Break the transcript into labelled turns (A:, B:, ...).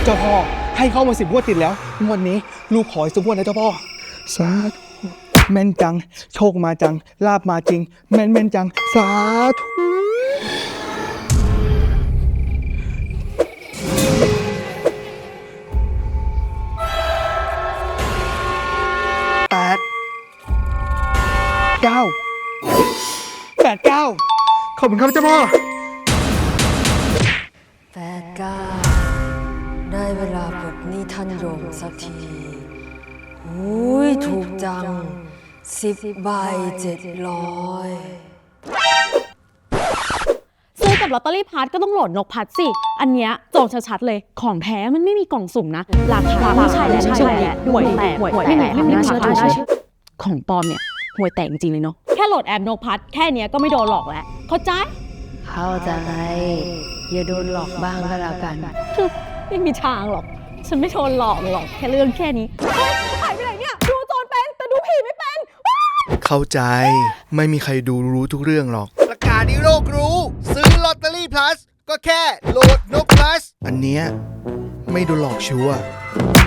A: เจ้าพ่อให้เข้ามา10 งวดติดแล้วงวดนี้ลูกขออีกสักงวดนะเจ้าพ่อสาธุแม่นจังโชคมาจังลาบมาจริงแม่นจังสาธุ8 9ขอบคุณครับเจ้าพ่อ
B: 89ได้เวลาปลดหนี้ท่านโยมสักทีหูยถูกจัง10 ใบ 700
C: ซื้อกับลอตเตอรี่พัดก็ต้องโหลดนกพัดสิอันเนี้ยจองชัดๆเลยของแท้มันไม่มีกล่องสุ่มนะราคาไม่ใช่แหละห่วยแตกไม่น่าเชื่อถือของปลอมเนี่ยห่วยแตกจริงๆเลยเนาะแค่โหลดแอปนกพัดแค่เนี้ยก็ไม่โดนหลอกแล้วเข้าใจ
B: อย่าโดนหลอกบ้างก็แล้วกัน
C: ไม่มีทางหรอกฉันไม่โดนหลอกหรอกแค่เรื่องแค่นี้หายไปไหนเนี่ยดูโจรเป็นแต่ดูผีไม่เป็น
A: เข้าใจไม่มีใครดูรู้ทุกเรื่องหรอกประกาศให้โลกรู้ซื้อลอตเตอรี่ plus ก็แค่โหลดนก plus อันเนี้ยไม่โดนหลอกชัวร์